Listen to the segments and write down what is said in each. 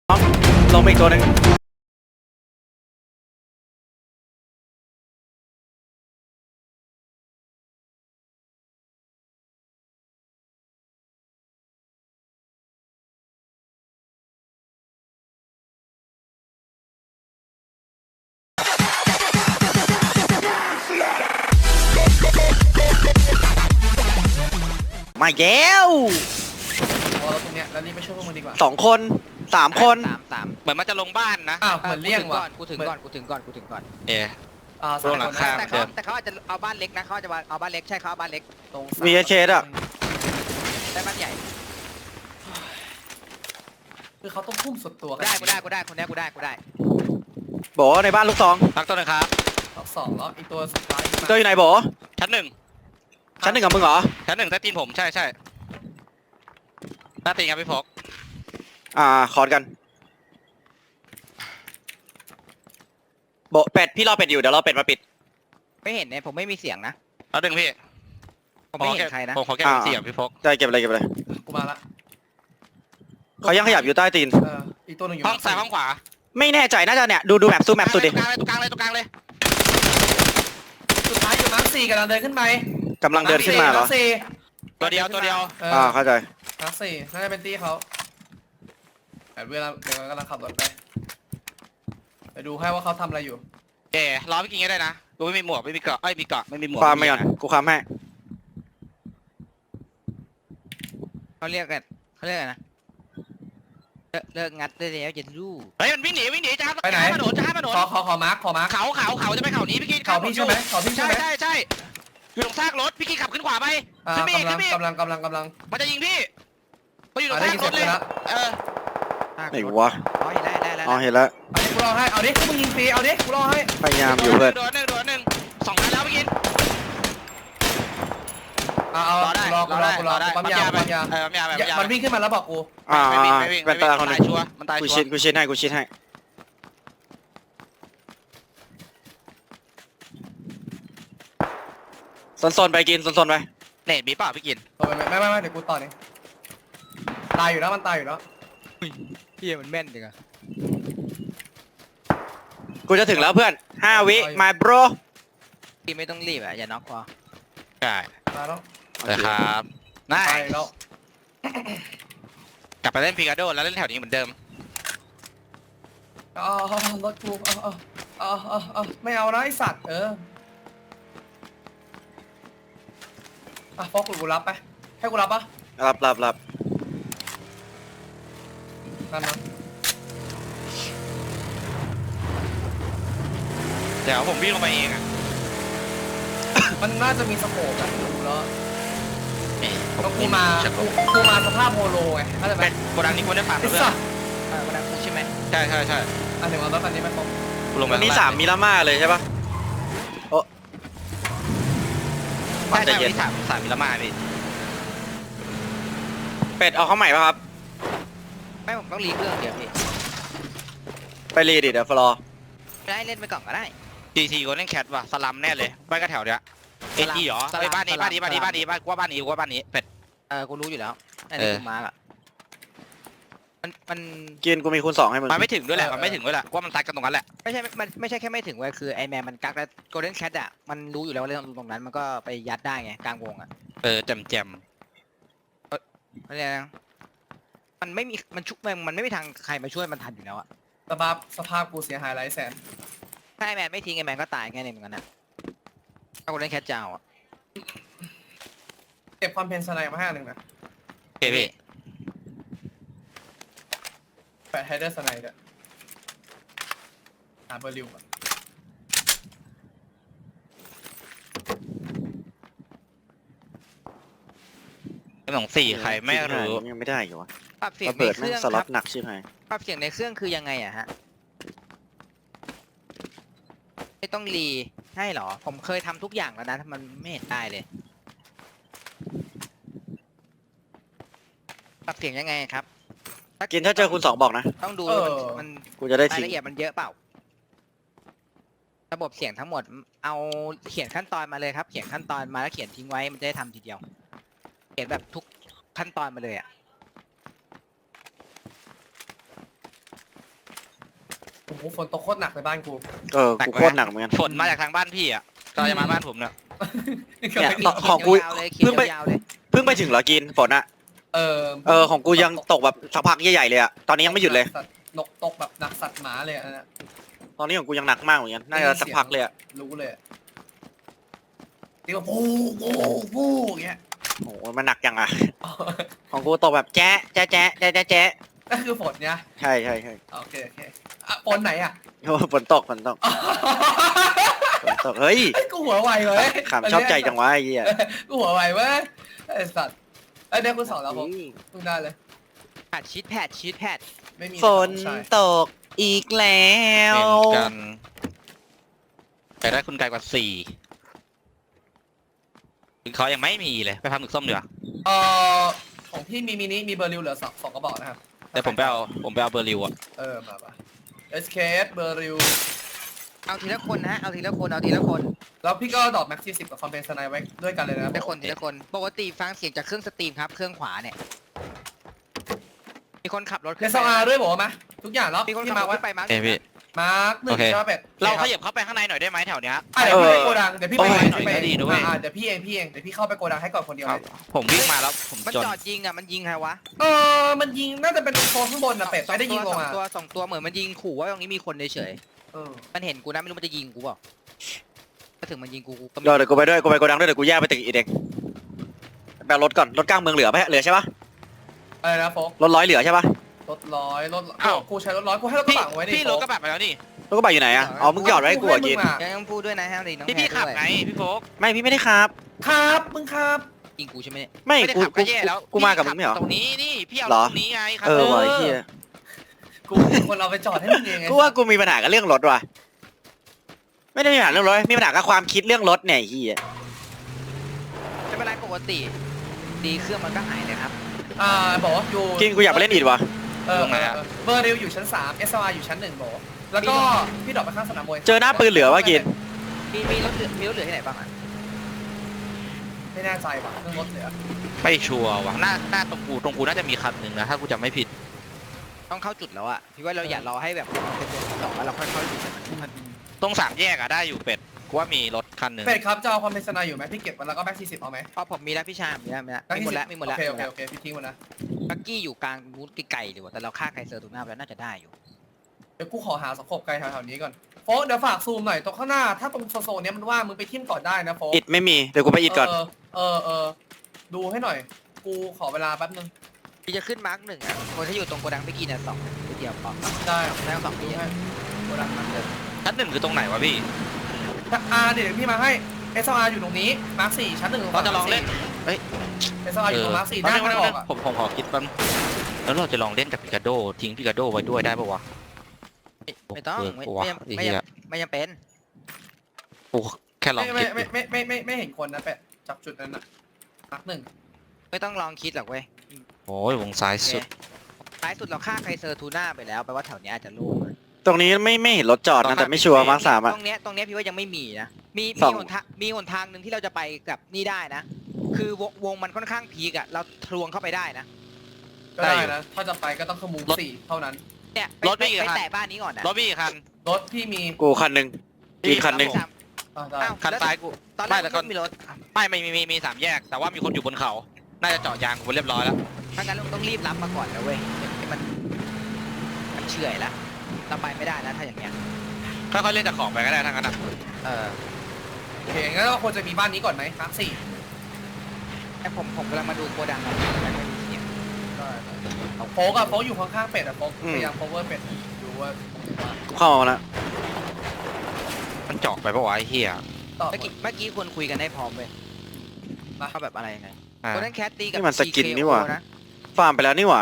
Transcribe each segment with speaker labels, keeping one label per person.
Speaker 1: ลงไปอีกตัวหนึ่งมาแล้ว
Speaker 2: พอเราตรงเนี้ยแล้วรีบไปช่วยพวกมันดีกว่า
Speaker 1: 2 คน 3 คน
Speaker 3: สามเหมือนมันจะลงบ้านนะ
Speaker 2: อ้าวเหมือนเลี่ยงว่ะ
Speaker 3: กูถึงก่อน
Speaker 1: เอ
Speaker 2: สาม
Speaker 1: หลั
Speaker 2: ค
Speaker 1: ง
Speaker 2: น
Speaker 1: คา
Speaker 2: นะ
Speaker 3: แต่เขาอาจจะเอาบ้านเล็กนะเขาอาจจะเอาบ้านเล็กใช่เขาเอาบ้านเล็ก
Speaker 2: ตรง
Speaker 1: มีเคสอ่ะ
Speaker 3: ได้บ้านใหญ่
Speaker 2: คือเขาต้องพุ่มสุดตัวกัน
Speaker 3: กูได้คนนี้กูได้
Speaker 1: บอกว่าในบ้านลูกซอง
Speaker 4: พักตัวหนึงครับ
Speaker 2: รอบสองแล้วอีกตัวสุดท้าย
Speaker 1: ตัวอยู่ไหนบอก
Speaker 4: ชั้นหนึ่ง
Speaker 1: ชั้น 1กับมึงเหรอ
Speaker 4: ชั้นหนึ่งใต้ตีนผมใช่หน้าตีนครับพี่พก
Speaker 1: คอร์ดกันบอกเป็ดพี่รอเป็ดอยู่เดี๋ยวรอเป็ดมาปิด
Speaker 3: ไม่เห็นเนี่ยผมไม่มีเสียงนะ
Speaker 4: แล้วดึงพี่
Speaker 3: ผมไม่เห็นใครนะ
Speaker 4: ผมขอแก้เสียงพี่พก
Speaker 1: ได้เก็บอะไรเก็บอะไร
Speaker 2: กูมาละ
Speaker 1: เขายังขยับอยู่ใต้ตีน
Speaker 2: อีกตัวหนึ่งอยู่
Speaker 4: ห้องซ้ายห้องขวา
Speaker 1: ไม่แน่ใจน่าจะเนี่ยดูแมปสู้แมปสุดดิ
Speaker 4: ตรงกลางเลย
Speaker 2: สุดท้ายอยู่มาร์คสี่กำลังเดินขึ้นไป
Speaker 1: กำลังเดินขึ้นมาเหรอ
Speaker 2: ร์คสี่
Speaker 4: ตัวเดียว
Speaker 1: เข้าใจ
Speaker 2: มาร์คสี่น่าจะเป็นตี้เขาแต่เวลาเดี๋ยวกำลังขับรถไปดูให้ว่าเขาทำอะไรอยู่
Speaker 4: รอพี่กินก็ได้นะกูไม่มีหมวกไม่มีเกราะมีเกราะไม่มีหมวก
Speaker 1: ความไปก่อนกูความให้
Speaker 3: เขาเรียกอะไรนะเลิกงัดได้แล้วจะรู้
Speaker 4: เฮ้ยมันวิ่งหนีจะ
Speaker 2: ไปไหน
Speaker 4: ข้ามถนนจะข้ามถนน
Speaker 2: ขอมาร์ค
Speaker 4: เขาจะไปเขานี้พี่กิน
Speaker 2: เขาพี่ใช่ไหมเขาพี่ใช่ไหม
Speaker 4: ใช่อยู่ตรงซากรถพี่กินขับขึ้นขวาไปขึ้นไปอีก
Speaker 2: กำลัง
Speaker 4: มันจะยิงพี่เขาอยู่ตรง
Speaker 2: ได้
Speaker 4: ซา
Speaker 2: ยิน
Speaker 4: กร
Speaker 2: เสีย
Speaker 4: ถ
Speaker 2: ง
Speaker 4: เลย
Speaker 2: แล้ว
Speaker 1: ไหนวะ
Speaker 3: อ๋อเห็นแล้ว
Speaker 1: อ๋อเห็นแล้ว
Speaker 2: เอาดิกูรอให้เอาดิมึงยิงฟรีเอาดิกูรอให้
Speaker 1: พยายามอยู่เพื่อน
Speaker 4: โดนหนึ่ง2 นัดแล้วพี่กิน
Speaker 2: เอารอปั๊มยา
Speaker 4: ปั๊มยาไป
Speaker 2: มันวิ่งขึ้นมาแล้วบอกกู
Speaker 4: ไม่วิ่ง
Speaker 1: เป็นตาคนหนึง
Speaker 4: มันตาย
Speaker 1: กู
Speaker 4: ชัวร์
Speaker 1: ชิดให้โซนไปกินโซนไป
Speaker 4: เน็ตมีเปล่าพี่กิน
Speaker 2: ไม่เดี๋ยวกูต่อนี่ตายอยู่แล้วมันตายอยู่แล้ว
Speaker 3: พี่มันแม่นจังอะ
Speaker 1: กูจะถึงแล้วเพื่อน5 วิ my bro
Speaker 3: พี่ไม่ต้องรีบอ่ะอย่าน็อกพอ
Speaker 4: ใช่
Speaker 2: ตายแล้ว
Speaker 4: นะครับน่า
Speaker 2: ตายแล้ว
Speaker 4: กลับไปเล่นพิกาโดแล้วเล่นแถวนี้เหมือนเดิม
Speaker 2: รถกูไม่เอานะไอสัตว์ฟอกกูรับไปให้กูรับปะ
Speaker 1: รับ
Speaker 2: นั่นนะ
Speaker 4: เดี๋ยวผมวิ่งลงไปเองอ่ะ
Speaker 2: มันน่าจะมีสโคปนะดูแล้ว
Speaker 4: ผม
Speaker 2: กูมาสภาพโฮโลไงเข้าใจไหม
Speaker 4: เป็นโกดังนี้กูได้ฝาก
Speaker 2: ไอ้
Speaker 4: เพื่อ
Speaker 2: สั
Speaker 4: น
Speaker 2: ตว์
Speaker 3: วันนั้นใช่ไหม
Speaker 4: ใช่
Speaker 2: อันหนึ่งเอารถคันนี้ไปฟอก
Speaker 4: กูลงไป
Speaker 1: วันนี้3มิลาม่าเลยใช่ปะ
Speaker 4: ใช่วันนี้สามมิลลิมาพี่
Speaker 1: เป็ดเอาเข้าใหม่ป่ะครับ
Speaker 3: ไม่ผมต้องรีเครื่องเดี๋ยวพี่
Speaker 1: ไปรีดิเดี๋ยวฟลอ
Speaker 3: ได้เล่นไปก่อนก็ได้
Speaker 4: GT กูเล่นแคทว่ะสลัมแน่เลยบ้านก็แถวเนี้ยATเหรอไอ้บ้านนี้กูว่าบ้านนี้เป็ด
Speaker 3: กูรู้อยู่แล้วไอ้
Speaker 4: เอ
Speaker 3: นี่
Speaker 4: อ
Speaker 3: กูมาร์กอ่ะมัน
Speaker 1: กินกูมีคูณ2ให้มึง
Speaker 4: มันไม่ถึงด้วยแหละมันไม่ถึงด้วยแหละว่ามันซัดกันตรงนั้นแหละ
Speaker 3: ไม่ใช่แค่ไม่ถึงเว้ยคือไอแมนมันกักแล้วโกลเด้นแคทอ่ะมันรู้อยู่แล้วว่าเล่นตรงนั้นมันก็ไปยัดได้ไงกลางวงอ่ะ
Speaker 4: แจม
Speaker 3: เพราะฉะนั้นมันไม่มีมันไม่มีทางใครมาช่วยมันทันอยู่แล้วอ่ะ
Speaker 2: สภาพกูเสียหายหลายแสน
Speaker 3: ถ้าไอแมนไม่ทิ้งไอแมนก็ตายแค่นี้เหมือนกันนะถ้าโกลเด้นแคทจะเอาอ่ะ
Speaker 2: เก็บความเพนสไนมาให้หนึ่งนะ
Speaker 4: พี่
Speaker 2: แปะไฮเดอร์สไนด์ด้วยหาเบอร์ลิวก่อน
Speaker 4: 4ใครไม่รู้
Speaker 1: ยังไม่ได้อยู่วะ
Speaker 3: ปรับเสียง
Speaker 1: ระ
Speaker 3: ใน
Speaker 1: เบิด
Speaker 3: เค
Speaker 1: แม่ง
Speaker 3: รื่อง
Speaker 1: ส
Speaker 3: ค
Speaker 1: ล็อ
Speaker 3: รั
Speaker 1: ต
Speaker 3: บ
Speaker 1: หนักใช่ไหม
Speaker 3: ปรับเสียงในเครื่องคือยังไงอะฮะไม่ต้องรีให้เหรอผมเคยทำทุกอย่างแล้วนะถ้ามันไม่เห็นได้เลยปรับเสียงยังไงครับ
Speaker 1: กินถ้าเจอคูณ2บอกนะ
Speaker 3: ต้องดูมัน
Speaker 1: กูจะได้
Speaker 3: ราย
Speaker 1: ทิ้ง
Speaker 3: ละเอียดมันเยอะเปล่า ระบบเสียงทั้งหมดเอาเขียนขั้นตอนมาเลยครับ เขียนขั้นตอนมาแล้วเขียนทิ้งไว้มันจะได้ทำทีเดียว เขียนแบบทุกขั้นตอนมาเลยอ่ะ
Speaker 2: โหฝนตกโคตรหนักในบ้านกู
Speaker 1: กูโคตรหนักเหมือนกัน
Speaker 4: ฝนมาจากทางบ้านพี่อ่ะก็จะมาบ้านผมเนี่ย
Speaker 1: เนี่ยของกู
Speaker 3: ยาวๆเลยเขีย
Speaker 1: เพิ่งไป
Speaker 3: นยาวๆเลย
Speaker 1: เพิ่งไปถึงเหรอกินฝนอะ ของกูยังตกแบบสักพักใหญ่ๆเลยอะตอนนี้ยังไม่หยุดเลย
Speaker 2: สัตว์นกตกแบบหนักสัตว์หมาเลยอันนั้น
Speaker 1: ตอนนี้ของกูยังหนักมากเหมือนกันน่าจะสักพักเลยอะ
Speaker 2: รู้เลยที่ว่าปูปูปูอย่างเงี้ย
Speaker 1: โอ้โหมันหนักจังอะของกูตกแบบแจ๊ะแจ๊ะแจ๊ะแจ๊ะแจ๊ะแจ๊ะ
Speaker 2: นั่นคือฝนเนี่ย
Speaker 1: ใช่ใช่
Speaker 2: โอเคฝนไหนอ่ะ
Speaker 1: โอ้ฝนตกฝนตกเฮ้ย
Speaker 2: กูหัวไวเว้ย
Speaker 1: ขำชอบใจจังวะไอ้เหี้ย
Speaker 2: กูหัวไวเว้ยไอ้สัตว์ไอ้เด็กกูสองแล้วผมมึงได้เลย
Speaker 3: แพทชีตแพท
Speaker 2: ไม่มี
Speaker 1: ฝนตกอีกแล้ว
Speaker 4: เป็นกันไปได้คุณไกลกว่า4เขายังไม่มีเลยไปพักหมึกส้มดีกว่า
Speaker 2: ของพี่มีมินิมีเบอร์ริวเหลือสองกระบอกนะครับ
Speaker 4: แต่ผมไปเอาเบอร์ริวอ่ะ
Speaker 2: มา SKS เบอร์ริว
Speaker 3: เอาทีละคนนะเอาทีละคน
Speaker 2: แล้วพี่ก็ดอกแม็กซี่10กับคอมเพนสไนไว้ด้วยกันเลยนะ
Speaker 3: ทีละคนปกติฟังเสียงจากเครื่องสตรีมครับเครื่องขวาเนี่ยมีคนขับรถ
Speaker 2: ใน
Speaker 3: ขึ้น
Speaker 2: ซ
Speaker 3: ไป
Speaker 2: องอาด้วยบอกว่ามาทุกอย่างแล้ว
Speaker 3: มีคน
Speaker 2: ที่
Speaker 3: ขับ
Speaker 2: มาร
Speaker 3: ถ
Speaker 2: ไว้
Speaker 3: ขึ้นไปมาร์ค
Speaker 4: เอ้ยพี่
Speaker 2: มาร์คหนึ่ง
Speaker 4: โอเค
Speaker 2: ใช่ไหมเป็ด
Speaker 4: เราขยับเข้าไปข้างในหน่อยได้ไหมแถวเนี้ย
Speaker 2: เดี๋ยวพี่ไปโกดังเดี๋ยวพี่ไป
Speaker 4: หน่อยก็ดีด้วย
Speaker 2: เดี๋ยวพี่เองเดี๋ยวพี่เข้าไปโกดังให้ก่อนคนเดียวเลย
Speaker 4: ผมวิ่งมาแล้วผม
Speaker 3: มัน
Speaker 4: จน
Speaker 3: จอดยิงอ่ะมันยิงใครวะ
Speaker 2: มันยิงน่าจะเป็นโซนข้างบนนะเป็ดไม่ได้ยิงลงมา
Speaker 3: สองตัวเหมือนมันยิงขู่ว่าตรงนี้มีคนเฉย
Speaker 2: เออ
Speaker 3: ๆมันเห็นกูนะไม่รู้มันจะยิงกูเปล่าถ้าถึงมันยิงกูก็
Speaker 1: เดี๋ยวกูไปด้วยกูไปโกดังด้วยเดี๋ยวกูแยกไปตึกอีกเองแบบรถก่อนรถกลางเมืองเหลือไหมเหลือใช่ปะ
Speaker 2: อะไรนะโฟก
Speaker 1: รถร้อยเหลือใช่ปะ
Speaker 2: รถร้อยกูใช้รถร้อยกูให้รถกระ
Speaker 4: พี่
Speaker 2: บะไว้ดิ
Speaker 4: พี่รถกระบะไปแล้วนี่
Speaker 1: รถกระบะอยู่ไหนอะอ๋อมึงหยอดไว้ให้กูอะกิน
Speaker 3: ยังพูดด้วยนะฮะน้อง
Speaker 4: ที่พี่ขับไงพี่โฟก
Speaker 1: ไม่พี่ไม่ได้ครับ
Speaker 2: ครับมึงครับ
Speaker 3: ยิงกูใช่ไหมเนี่ย
Speaker 1: ไม่
Speaker 4: ไม่ได้
Speaker 1: กู
Speaker 4: ขับก็แย่แล้ว
Speaker 1: กูมากับมึงไม่เหรอ
Speaker 4: ตรงนี้นี่พี่เอา
Speaker 1: เหรอ
Speaker 4: ตรงนี้ไงครับ
Speaker 1: ว่ะไอ้เหี้ย
Speaker 2: กูคนเราไปจอดให้มึงเองไง
Speaker 1: กูว่ากูมีปัญหากับเรื่องรถว่ะไม่ได้มีปัญหาเรื่องรถมีปัญหากับความคิดเรื่องรถเนี่ยไอ้เหี้ย
Speaker 3: ไม่เป็นไรปกติ ดีเครื่องมันก็หายเลยครับ
Speaker 2: บอกว่าอยู่
Speaker 1: กินกูอยากไปเล่นอีดว่ะ
Speaker 2: เบอร์ริวอยู่ชั้น3 SR อยู่ชั้น1บอกแล้วก็พี่ดอกไปข้างสนามมวย
Speaker 1: เจอหน้าปืนเหลือวะกิน
Speaker 3: มีรถเหลือที่ไหนบ้างอ่ะ
Speaker 2: ไม่แน่ใจว่ะเรื่องรถเหลือ
Speaker 4: ไม่ชัวร์ว่ะหน้าตรงกูน่าจะมีคันหนึ่งนะถ้ากูจำไม่ผิด
Speaker 3: ต้องเข้าจุดแล้วอ่ะพี่ว่าเราอย่ารอให้แบบเป็นตัวต่อแล้วเราค่อยเข้าจุดมัน
Speaker 4: ตรง3 แยกอะได้อยู่เป็ดกูว่ามีรถคันหนึ่ง
Speaker 2: เป็ดครับจะเอาความเป็นสนายอยู่ไหมพี่เก็บมันแล้วก็แม็กซี่10เอาไหม
Speaker 3: พอผมมีแล้วพี่ชามมีแล้วมีหมดแล้ว
Speaker 2: โอเคพี่ทิ้งมันนะ
Speaker 3: บักกี้อยู่กลางบูธไกลๆดีกว่าแต่เราฆ่าไคเซอร์ถูกหน้าไปแล้วน่าจะได้อยู่
Speaker 2: เดี๋ยวกูขอหาสกบไกลแถวๆนี้ก่อนโฟกเดี๋ยวฝากซูมหน่อยตรงข้างหน้าถ้าตรงโซนนี้มันว่างมึงไปทิ่มก่อนได้นะโฟก
Speaker 1: อิดไม่มีเดี๋ยวกูไปอิดก่อน
Speaker 2: ดูให้หน่อยกูขอเวลาแป๊บนึง
Speaker 3: พี่จะขึ้นมาร์ก1อ่ะคนที่อยู่ตรงโกดังพี่กี้เนี่ย2นิดเดียวพอ
Speaker 2: ได้
Speaker 3: แล้ว2
Speaker 2: ดู
Speaker 3: ที่
Speaker 2: ให้โกดังมันเดิม
Speaker 4: ชั้น1คือตรงไหนวะพี่
Speaker 2: เดี๋ยวพี่มาให้ SR อยู่ตรงนี้มาร์ค4ชั้น1
Speaker 4: เราจะลองเล่น
Speaker 2: SR อยู่ตรงมาร์ค4หน้าทางออกอ่ะ
Speaker 4: ผมขอคิดแป๊บแล้วเราจะลองเล่นกับปิกาโดทิ้งปิกาโดไว้ด้วยได้ปะวะ
Speaker 3: ไม่ต้องไม่
Speaker 4: วะ
Speaker 3: ไม่จำเป็น
Speaker 4: กูแค่ลอง
Speaker 2: ไม่
Speaker 4: คิด
Speaker 2: ไม่เห็นคนนะเป็ดจากจุดนั้นนะมาร์ค1
Speaker 3: ไม่ต้องลองคิดหรอกเว้ย
Speaker 4: โอ้ยวงซ้ายสุด
Speaker 3: ท้ายสุดเราฆ่าไคเซอร์ทูน่าไปแล้วแปลว่าแถวนี้อาจจะโล่ง
Speaker 1: ตรงนี้ไม่เห็นรถจอดนะแต่ไม่ชัวร์มาร์ค3อะ
Speaker 3: ตรงเนี้ยพี่ว่ายังไม่มีนะมี
Speaker 1: สอง
Speaker 3: หนทางหนึ่งที่เราจะไปกับนี่ได้นะ คือวงมันค่อนข้างพีกอะเราทลวงเข้าไปได้นะ
Speaker 2: ก็ได้นะถ้าจะไปก็ต้องขมู4เท่านั้น
Speaker 3: เนี่ย
Speaker 4: รถไม่กี่
Speaker 3: ไป
Speaker 4: คัน
Speaker 3: แตะบ้านนี้ก่อนนะ
Speaker 4: รถพี่กี่คัน
Speaker 2: รถพี่มี
Speaker 1: กูคันหนึ่งกินคันหนึ่ง
Speaker 2: ได้
Speaker 3: อ้าว
Speaker 4: คันซ้ายกู
Speaker 3: ตอนแร
Speaker 4: ไม่
Speaker 3: ก
Speaker 4: แต่ก็
Speaker 3: ไม่มีรถ
Speaker 4: ไม่มี3 แยก แต่ว่ามีคนอยู่บนเขา น่าจะเจาะยางกูเรียบร้อยแล้ว
Speaker 3: ถ้างั้นเราต้องรีบรับมาก่อนนะเว้ยให้มันเฉื่อยแล้วเราไปไม่ได้นะถ้าอย่างเงี้ย
Speaker 4: ค่อยๆเล่นจากของไปก็ได้ทั้งนั้นอ่ะ
Speaker 2: โอเคงั้นเราควรจะมีบ้านนี้ก่อนไหมมาร์ค4
Speaker 3: แต่ผมกำลังมาดูโกดังเราแต่ไม่มีเสียง
Speaker 2: โฟกอยู่ข้างๆเป็ดอะโฟกพยายามโคเวอร์เป็ดดูว่า
Speaker 1: กูเข้ามาแล้ว
Speaker 4: มันเจาะไปปะวะไอ้เหี้ย
Speaker 2: ต่อ
Speaker 3: เมื่อกี้ควรคุยกันให้พร้อมเว้ย
Speaker 2: มา
Speaker 3: เขาแบบอะไรยังไง
Speaker 4: อ่า
Speaker 3: โกดังแคทตีกับ
Speaker 1: นี่มันสกิน
Speaker 3: TKO
Speaker 1: นี่หว่า
Speaker 3: นะ
Speaker 1: ฟาร์มไปแล้วนี่หว่า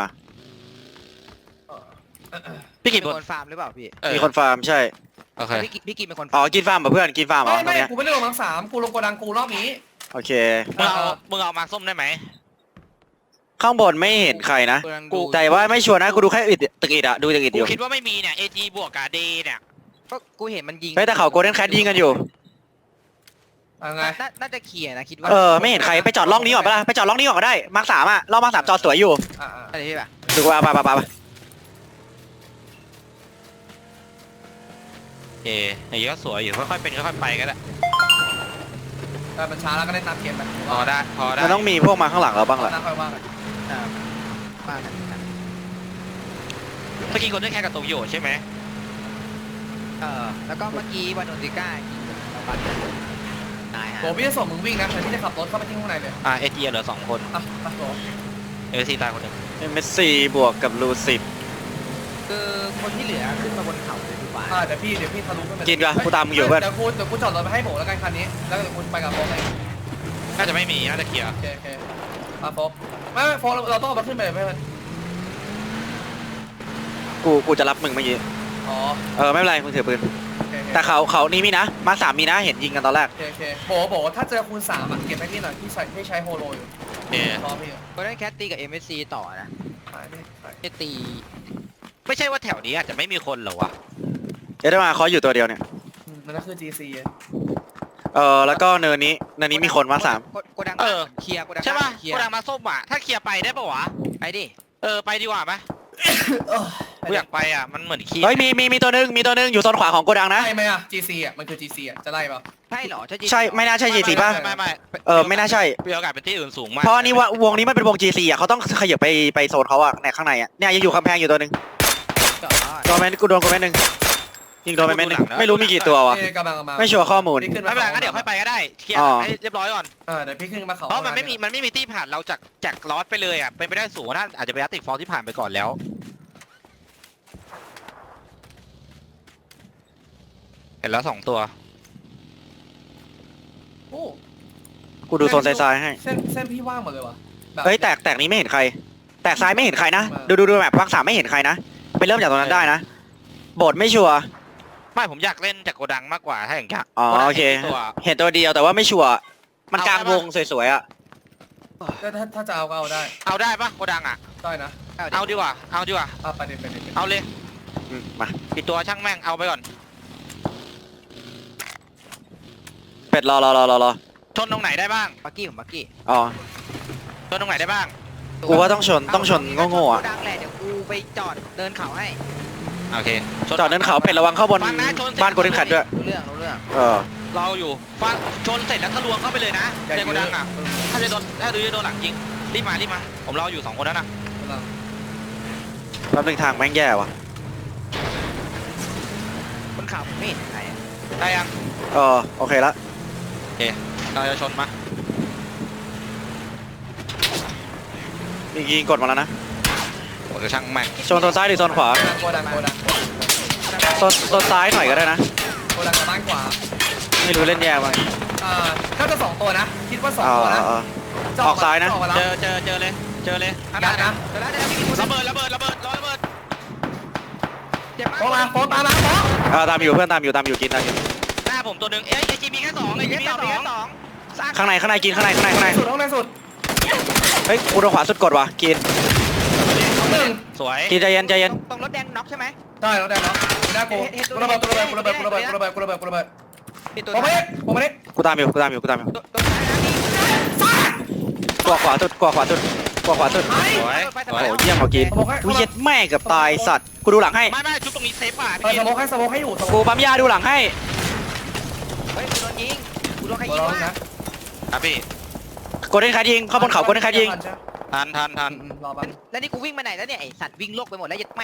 Speaker 4: พี่
Speaker 3: มี
Speaker 4: กี่บน
Speaker 3: คนฟาร์มหรือเปล่าพี่
Speaker 1: มีคนฟาร์มใช่
Speaker 4: โอเค
Speaker 3: พี่กินเป็นคน
Speaker 1: อ๋อกินฟาร์มกับเพื่อนกินฟาร์มเหรอตรง
Speaker 2: ไม่
Speaker 1: เนี้ย
Speaker 2: กูไม่ได้ลงมาร์ค3กูลงโกดังกูรอบนี้
Speaker 1: โอเค
Speaker 4: มึงเอามาส้มได้ไหม
Speaker 1: ข้างบนไม่เห็นใครนะ
Speaker 3: กำลัง
Speaker 1: กู
Speaker 3: ดู
Speaker 1: แต่ว่าไม่ชัวร์นะกูดูแค่ตึกอิดอะดูตึกอิด
Speaker 4: กู
Speaker 1: อยู่
Speaker 4: คิดว่าไม่มีเนี่ย AG บวกกับเดเนี่ย
Speaker 3: ก็กูเห็นมันยิง
Speaker 1: เฮ้ยแต่เขาโกลเด้นแคทยิงกันอยู่
Speaker 2: ไง
Speaker 3: น่าจะเคลียร์นะคิดว่า
Speaker 1: ไม่เห็นใครไปจอดร่องนี้ก่อนปะล่ะไปจอดร่องนี้ก่อนก็ได้มาร์ค3อะร่องมาร์ค3จอดสวยอยู่
Speaker 3: อะไรพี่ป่ะ
Speaker 1: ดูว่าไป
Speaker 4: อย่างนี้ก็สวยอยู่ค่อยๆเป็นค่อยๆไปก็ได้
Speaker 2: แต่มันช้าแล้วก็ได้ตามเกมไป
Speaker 4: พอได้พอได้
Speaker 1: มันต้องมีพวกมาข้างหลังเราบ้างแหละ
Speaker 2: น่าค่อยว่ากัน
Speaker 3: บ้านกันกัน
Speaker 4: เมื่อกี้คนได้แค่กับโตโยใช่ไหม
Speaker 3: แล้วก็เมื่อกี้วานโนติก้ายิงเราบัตนายฮะ
Speaker 2: โหพี่จะส่งมึงวิ่งนะแต่พี่จะขับรถเข้าไปที่ข้างในเลย
Speaker 4: เอทีเหลือ2 คน
Speaker 2: อ่ะไปโห
Speaker 4: เอทีตายคนหนึ่ง
Speaker 1: เมสซี่บวกกับลูซิด
Speaker 3: คือคนที่เหลือขึ้นมาบนเขาเลยดีกว่า
Speaker 2: เดี๋ยวพี่ทะลุขึ้นไป
Speaker 1: กินกันกูตามมึงอยู่เพื่อน
Speaker 2: เดี๋ยวกูจอดรถไปให้โบแล้วกันคันนี้แล้วเดี๋ยวกูไปกับโฟกเลย
Speaker 4: น่าจะไม่มีน่าจะเคลียร์
Speaker 2: โอเคมาโฟกไม่โฟกเราต้องเอามาขึ้นไปเลยเพื่อน
Speaker 1: กูจะรับมึงเมื่อกี้
Speaker 2: อ๋อ
Speaker 1: ไม่เป็นไรมึงถือปืน
Speaker 2: โอเค
Speaker 1: แต่เขานี่มีนะมาสามมีนะเห็นยิงกันตอนแรก
Speaker 2: โอเคโบถ้าเจอคูณ3เก็บให้พี่หน่อยพี่ใช้โฮโลอยู่รอพี่
Speaker 3: ก็ได้แคทตีกับ MSC ต่อนะ
Speaker 2: ขายดิ
Speaker 3: ไม่ตี
Speaker 4: ไม่ใช่ว่าแถวนี้อาจจะไม่มีคนเหรอวะ
Speaker 1: เดี๋ยวได้มาเขาอยู่ตัวเดียวเนี่ย
Speaker 2: มันก็คือ GC
Speaker 1: แล้วก็เนินนี้มีคนมาสาม
Speaker 3: โกดังเคลียร์โกดัง
Speaker 4: ใช่ป่ะ
Speaker 3: เคลีย
Speaker 4: โก
Speaker 3: ร์
Speaker 4: ดังมาส้มอ่ะถ้าเคลียร์ไปได้ปะวะ
Speaker 3: ไปดิ
Speaker 4: ไปดีกว่าไหมกูอยากไปอ่ะมันเหมือนขี้
Speaker 1: เฮ้ยมีตัวนึงอยู่โซนขวาของโกดังนะ
Speaker 2: ไล่ไหมอ่ะ GC อ่ะมันคือ GC อ่ะจะไล่ป่ะ
Speaker 3: ใช่เหรอ
Speaker 1: ใช่ไม่น่าใช่ G4 ป่ะ
Speaker 4: ไม่
Speaker 1: ไม่น่าใช่
Speaker 4: มีโอกาสเป็นที่อื่นสูงมาก
Speaker 1: เพราะนี่ว่าวงนี้มันเป็นวง G4 อ่ะเขาต้องขยับไปโซนเขาอ่ะในข้างในอ่ะเนี่ยยังอยู่กำแพงอยู่ตัวนึงโดนแมนกูโดนกูแมนหนึ่งยิงโดนไปแมนหนึ่งไม่รู้มีกี่ตัววะ
Speaker 2: กำลังมา
Speaker 1: ไม่ชัวร์ข้อมูล
Speaker 2: พี่ขึ้น
Speaker 4: ไม่เป็นไรงั้นเดี๋ยวค่อยไปก็ได้เคลียร์ให้เรียบร้อยก่อน
Speaker 2: เดี๋ยวพี่ขึ้นมาเขา
Speaker 4: เพราะมันไม่มีที่ผ่านเราจากลอสไปเลยอ่ะเป็นไปได้สูงถ้าอาจจะเป็นอาร์ติกฟอลที่ผ่านไปก่อนแล้วเห็นแล้ว2 ตัว
Speaker 2: โอ้
Speaker 1: กูดูโซนซ้ายๆให้
Speaker 2: เส้นพี่ว่างหมดเลยวะ
Speaker 1: เฮ้ยแตกนี้ไม่เห็นใคร แตกซ้ายไม่เห็นใครนะดูแบบภาค3ไม่เห็นใครนะไปเริ่มจากตรงนั้นได้นะโบดไม่ชัวร์
Speaker 4: ไม่ผมอยากเล่นจากโกดังมากกว่าถ้าอย่างเงี้ย
Speaker 1: โอเคเห็นตัวเดียวแต่ว่าไม่ชัวร์มันกลางวงสวยๆอ่ะ
Speaker 2: ถ้าจะเอาก็เอาได้
Speaker 4: เอาได้ปะโกดังอ่ะ
Speaker 2: ได้นะ
Speaker 4: เอาดีกว่า
Speaker 2: ไปเด็ด
Speaker 4: เอาเลย
Speaker 1: มา
Speaker 4: ปิดตัวช่างแม่งเอาไปก่อน
Speaker 1: เป็ดรอ
Speaker 4: ชนตรงไหนได้บ้าง
Speaker 3: บักกี้ผมบักกี้
Speaker 1: อ๋อ
Speaker 4: ชนตรงไหนได้บ้าง
Speaker 1: กูว่าต้องชนโง่ๆอ่ะ
Speaker 3: ดังแหละเดี๋ยวกูไปจอดเดินเขาให้
Speaker 4: โอเค
Speaker 1: จอดเนินเขาเป็ดระวังเข้าบนบ้านโกลเด้นแคทด้วย
Speaker 3: รู้เรื่อง
Speaker 4: เราอยู่ฟังชนเสร็จแล้วทะลวงเข้าไปเลยนะในโกดังอ่ะถ้าจะโดนหลังยิงรีบมาผมรออยู่2 คนแล้วนะ
Speaker 1: แป๊บนึงทางแม่งแย่ว่ะ
Speaker 3: บนเขาไม่เห็นใคร
Speaker 4: ได้ยัง
Speaker 1: โอเคละ
Speaker 4: เราจะชนมา
Speaker 1: ยิงกดมาแล้วนะ
Speaker 4: ผมจะช่างแม่ง
Speaker 1: โซนซ้ายหรือโซนขวา
Speaker 2: โกดัง
Speaker 1: โซนซ้ายหน่อยก็ได้นะ
Speaker 2: โกดังกับบ้านขวา
Speaker 1: ไม่รู้เล่นแย่มั้ง
Speaker 2: น่าจะ2 ตัวนะคิดว่า2 ตัวนะ
Speaker 1: ออกซ้ายนะ
Speaker 4: เจอเลยข้างห
Speaker 2: ยั
Speaker 4: น้า
Speaker 2: ดนะ
Speaker 4: ระเบิดรอระเบิด
Speaker 3: เจ็บมาก
Speaker 2: โฟมาโฟตามมาโฟ
Speaker 1: ตามอยู่เพื่อนตามอยู่กินตามอยู่
Speaker 4: หน้าผมตัวหนึ่งไอจีมีแค่2ไอจีมีแค่2
Speaker 1: ข้างในกินข้างใน
Speaker 2: สุดห้องในสุด
Speaker 1: เฮ้ยกูโดนขวาสุดกดว่ะกิน
Speaker 4: สวย
Speaker 1: กินใจเย็น
Speaker 3: ตรงรถแดงน็อกใช่ไหม
Speaker 2: ได้แล้วได้แล้วหน้ากูระเบิดผมไม่ได้
Speaker 1: กูตามอยู่
Speaker 3: ตรงซ้ายนะ
Speaker 1: กว่าขวาสุด
Speaker 4: สวย
Speaker 1: โอ้โหเยี่ยมกว่ากินกูเย็ดแม่กับตายสัตว์กูดูหลังให้
Speaker 4: ไม่ชุบตรงนี้เซฟป่ะ
Speaker 2: สโมกให้อยู่
Speaker 1: กูปั๊มยาดูหลังให้
Speaker 3: เฮ้ยกูโดนยิงกูโดนใครยิงวะ
Speaker 4: ครับพี่
Speaker 1: โกลเด้นแคทยิงเข้าบนเขาโกลเด้นแคทยิง
Speaker 4: ทัน
Speaker 2: รอบัน
Speaker 3: แล้วนี่กูวิ่งไปไหนแล้วเนี่ยไอสัตว์วิ่งโลกไปหมดแล้วยัดแม่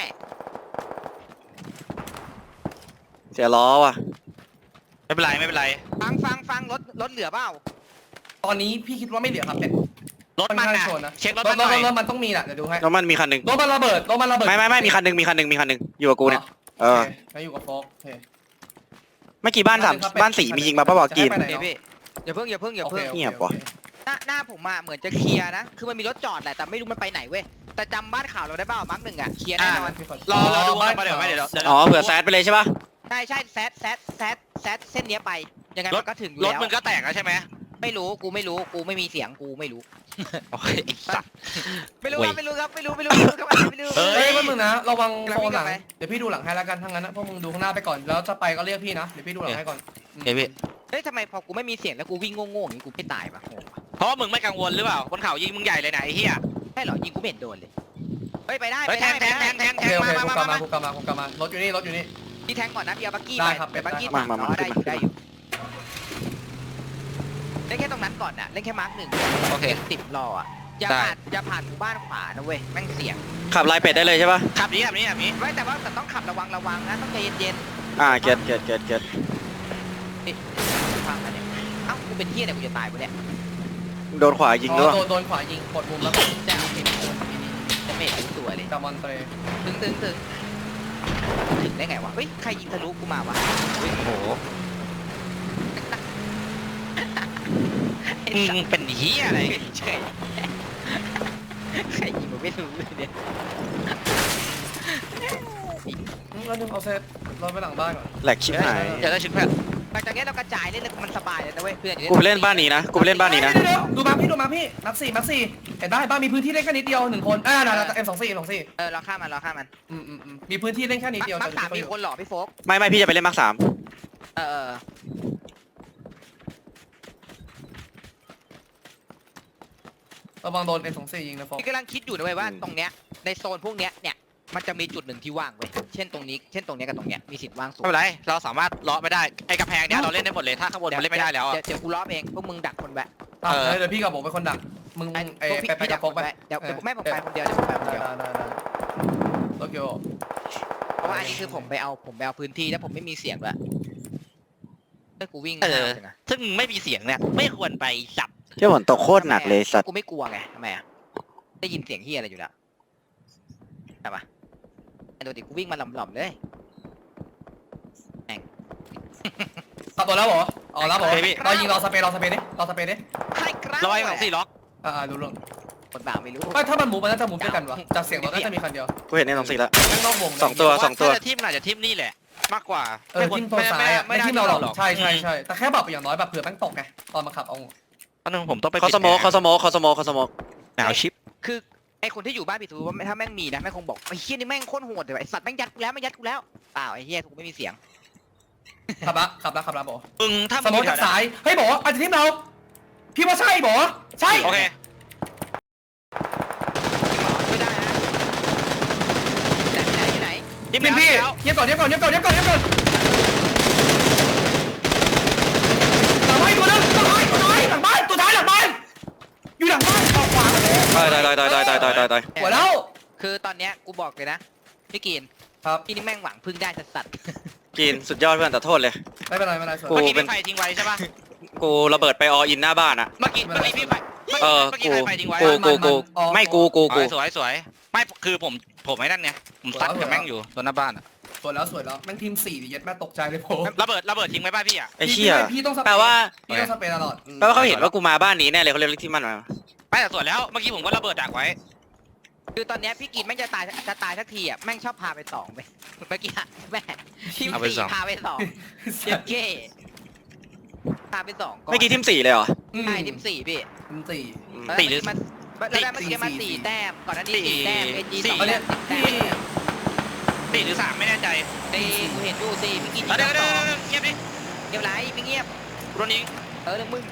Speaker 1: เสียล้อว่ะ
Speaker 4: ไม่เป็นไร
Speaker 3: ฟังรถเหลือเปล่า
Speaker 2: ตอนนี้พี่คิดว่าไม่เหลือครับเนี่ย
Speaker 4: รถมันนะเช็ครถมันหน่อย
Speaker 2: รถมันต้องมีแหละเดี๋ยวดูให้
Speaker 1: แล้วมันมีคันหนึ่ง
Speaker 2: รถมันระเบิด
Speaker 1: ไม่มีคันหนึ่งอยู่กับกูเนี่ย
Speaker 2: แล้วอยู่กับโฟกโอเค
Speaker 1: เมื่อกี้บ้านสีมียิงมาป่ะบอกกิน
Speaker 3: เดี๋ยวพี่อย่าเพิ่ง
Speaker 1: เงียบว่ะ
Speaker 3: หน้าผมมาเหมือนจะเคลียร์นะคือมันมีรถจอดแหละแต่ไม่รู้มันไปไหนเว้ยแต่จำบ้านข่าวเราได้เปล่ามาร์ค 1อ่ะเคลียร์แน่นอน
Speaker 4: รอดูมาเดี๋ยว
Speaker 1: เผื่อแซดไปเลยใช่ป่ะ
Speaker 3: ใช่แซดเส้นเนี้ยไปยังไงมันก็ถึงอยู่
Speaker 4: รถ
Speaker 3: แล้ว
Speaker 4: มึงก็แตกแล้วใช่ไหม
Speaker 3: ไม่รู้กูไม่มีเสียงกูไม่รู้
Speaker 4: โอเคสัตว์
Speaker 3: ไม่รู้ครับ
Speaker 4: เฮ้
Speaker 2: เฮ้
Speaker 4: ย
Speaker 2: ยมึงนะระวังโซนหลังเดี๋ยวพี่ดูหลังให้แล้วกันทั้งนั้นนะพวกมึงดูข้างหน้าไปก่อนแล้วจะไปก็เรียกพี่นะเดี๋ยวพี่ดูหลังให้ก่อน
Speaker 4: เฮ้ยพี่
Speaker 3: เฮ้ยทำไมพอกูไม่มีเสียงแล้วกูวิ่งโง่ๆอย่างนี้กูไม่ตายปะโง่ปะ
Speaker 4: เพราะว่ามึงไม่กังวลหรือเปล่าบนเขายิงมึงใหญ่เลยไหนไอ้เหี้ย
Speaker 3: ใช่เหรอยิงกูไม่เห็นโดนเลยเฮ้ยไปได้
Speaker 4: แทง
Speaker 2: โอเคกูกลับมารถอยู่นี่
Speaker 3: พี่แทงก่อนนะพี่เอาบักกี้
Speaker 2: ได้
Speaker 3: ไป
Speaker 2: ครับ
Speaker 3: เดี๋ยวบักกี้
Speaker 1: มา
Speaker 3: ถัง
Speaker 1: มา
Speaker 3: เนาะ
Speaker 1: มา
Speaker 3: ได้อยู่ได้อยู่เล่นแค่ตรงนั้นก่อนน่ะเล่นแค่มาร์คหนึ่ง
Speaker 4: โอเค
Speaker 3: ติดรออ่ะอย่า
Speaker 4: ได้
Speaker 3: ผ่านหมู่บ้านขวานะเว้ยแม่งเสี่ยง
Speaker 1: ขับลายเป็ดได้เลยใช่ปะ
Speaker 4: ขับนี้
Speaker 3: ไม่แต่ว่าต้องขับระวังนะต้องใจเย็น
Speaker 1: เก็ต
Speaker 3: ๆฟังนะเนี่ยเอ้ากูเป็นเหี้ยเนี่ยกูจะตายกูเนี่ย
Speaker 1: โดนขวายิงด้วย
Speaker 2: โดนขวายิงกดมุมแล้ว
Speaker 3: แต่เอาเป็นจะเมททุกตัวเลย
Speaker 2: กับมอนเตร
Speaker 3: ถึงได้ไงวะเฮ้ยใครยิงทะลุกูมาวะ
Speaker 4: โอ้โห
Speaker 3: ไอ้
Speaker 4: มึ
Speaker 3: สั
Speaker 4: ง
Speaker 3: ส
Speaker 4: เป็นเฮียอะไร
Speaker 3: เฉยใครยิงผมไม่รู้เลยเนี่ย
Speaker 2: แล้วนึงเอาเซตรถไปหลังบ้านก่อน
Speaker 1: แหลกชิบหาย
Speaker 4: จะได้ชุดเพื่อน
Speaker 3: หลังจากนี้เรากระจายเล่นแล้วมันสบายเลยนะเว้ยเพื่อน
Speaker 1: กูไปเล่นบ้านนี้นะกูไปเล่นบ้านนี้นะ
Speaker 2: เดี๋ยวดูมาพี่นับสี่เห็นได้บ้านมีพื้นที่เล่นแค่นิดเดียว1 คนน่ะM24
Speaker 3: เราฆ่ามัน
Speaker 2: มีพื้นที่เล่นแค่นิดเดียว
Speaker 3: มักสามมีคนหล่อพี่โฟก
Speaker 1: ไม่พี่จะไปเล่นมาร์ค 3
Speaker 2: ระวังโดน M24 ยิงนะโฟก
Speaker 3: พี่กำลังคิดอยู่นะเว้ยว่าตรงเนี้ยในโซนพวกเนี้ยเนี่ยมันจะมีจุดหนึ่งที่ว่างเว้ยเช่นตรงนี้กับตรงเนี้ยมีสิทธิ์ว่างสูง
Speaker 4: ไม่เป็นไรเราสามารถเลาะไม่ได้ไอ้กระแพงเนี้ยเราเล่นได้หมดเลยถ้าข้างบนมันเล่นไม่ได้แล้วอะ
Speaker 3: เดี๋ยวกูล้อเองพวกมึงดักคนแวะ
Speaker 2: เดี๋ยวพี่กับผมเป็นคนดักมึงไปกับโฟกไป
Speaker 3: เดี๋ยวไม่ผมไปคนเดียวเดี๋ยวผมไปคนเดียว
Speaker 2: ได้โตเกียว
Speaker 3: เพราะว่าอันนี้คือผมไปเอาพื้นที่แล้วผมไม่มีเสียงด้วยถ้ากูวิ่ง
Speaker 4: ซึ่งไม่มีเสียงเนี่ยไม่ควรไปจับ
Speaker 1: ที่ฝนตกโคตรหนักเลยสัตว์
Speaker 3: กูไม่กลัวไงทำไมอ่ะได้ยินเสียงเฮียอะไรอยู่แล้วใช่ปะไอ้ตัวดิกูวิ่งมาหล่อมๆเลย
Speaker 2: ขับตัวแล้วเหรออ๋อแล้วเหรอเรายิงรอสเปรย์ดิ
Speaker 3: ใช่ครับ
Speaker 4: ร้อยของสี่ล็อก
Speaker 2: รู้เรื่อง
Speaker 3: คนบ่าไม่รู้
Speaker 2: ไม่ถ้ามันหมูมันน่าจะหมูด้วยกันวะจากเสียงรถน่าจะมีคันเดียว
Speaker 1: กูเห็นใน2-4แล้ว
Speaker 2: ข้างนอกวง
Speaker 1: สองตัว
Speaker 4: ถ้าจะทิมอาจจะทิมนี่แหละ มากกว่า
Speaker 2: ทิมตัวซ้ายไม่ทิมเราหรอกใช่แต่แค่แบบอย่างน้อยแบบเผื่อแม่งตกไงตอนมาขับเอา
Speaker 4: ตอนนึงผมต้องไป
Speaker 1: เขาสโมก
Speaker 4: หนาวชิป
Speaker 3: คือไอ้คนที่อยู่บ้านพี่ทูว่าถ้าแม่งมีนะแม่งคงบอกไอ้เฮียนี่แม่งโคตรโหดเลยไอ้สัตว์แม่งยัดกูแล้วเปล่าไอ้เฮียกูไม่มีเสียง
Speaker 2: ขับละบอก
Speaker 4: มึงถ้า
Speaker 2: สมมติจากซ้ายเฮ้ยบอกอาจจะทิมเราพี่ว่าใช่บอกใช่
Speaker 4: โอเค
Speaker 3: ไม่ได้นะไหน
Speaker 4: ทิม
Speaker 2: พี่
Speaker 4: แล้ว
Speaker 2: เงียบก่อนหลังบ้านตัวนึงตัวท้ายหลังบ้านอยู่หลังบ้านออกขวาเลย
Speaker 1: ตาย
Speaker 2: หัวแล้ว
Speaker 3: คือตอนเนี้ยกูบอกเลยนะพี่กิน
Speaker 2: ครับ
Speaker 3: พี่นี่แม่งหวังพึ่งได้สัตว์
Speaker 1: กินสุดยอดเพื่อนแต่โทษเลย
Speaker 2: ไม่เป็นไรส่วน
Speaker 1: กู
Speaker 4: เมื่อกี้
Speaker 1: เป็
Speaker 4: พี่
Speaker 1: น
Speaker 4: ไฟทิ้งไว้ใช่ป่ะ
Speaker 1: กูระเบิดไปออินหน้าบ้านอะ
Speaker 4: เมื่อกี้พี่ไฟเมื่อกี้ไฟทิ้งไว้
Speaker 1: ไม่กู
Speaker 4: สวยไม่คือผมไอ้นั่นไงผมซัดกับแม่งอยู่ตัวหน้าบ้านอะ
Speaker 2: สวยแล้วแม่งทีม4ดิยัดแม่ตกใจเลยผม
Speaker 4: ระเบิดทิ้งไว้ป่ะพี่อะ
Speaker 1: ไอ้เชี่ย
Speaker 2: พี่ต้องสเป
Speaker 1: แปลว่า
Speaker 2: พี่ต้องสเปรย์ตลอด
Speaker 1: เขาเห็นว่ากูมาบ้านนี้แน่เลยเขาเรียกที่มันมา
Speaker 4: ไม่แต่สวยแล้วเมื่อกี้ผมก็ระเบิดดักไว้
Speaker 3: คือตอนเนี้ยพี่กินแม่งจะตายสักทีอ่ะแม่งชอบพาไปสองไปเมื่อกี้อะแม่ทีมสี่พาไปสองเจ็บเก้พาไปสองก่อน
Speaker 1: เมื่อกี้ทีม4เลยเหรอ
Speaker 3: ใช่ทีมสี่พี่
Speaker 2: ทีม4
Speaker 4: ตีหรือ
Speaker 3: มันแล้วได้เมื่อกี้มาสี่แต้มก่อนหน้านี้สี่แต้มเอจีสอง
Speaker 2: อัน
Speaker 3: แต้
Speaker 2: เนี้ย
Speaker 3: ม10
Speaker 2: พี่
Speaker 3: แต้ม
Speaker 4: ตีหรือ3ไม่แน่ใจ
Speaker 3: ตีกูเห็นดูตีพี่กิน
Speaker 4: เดี๋ยว
Speaker 3: สอง
Speaker 4: เงียบดิ
Speaker 3: เงียบไรไม่เงียบ
Speaker 4: โดนยิง
Speaker 3: เรื่องมึง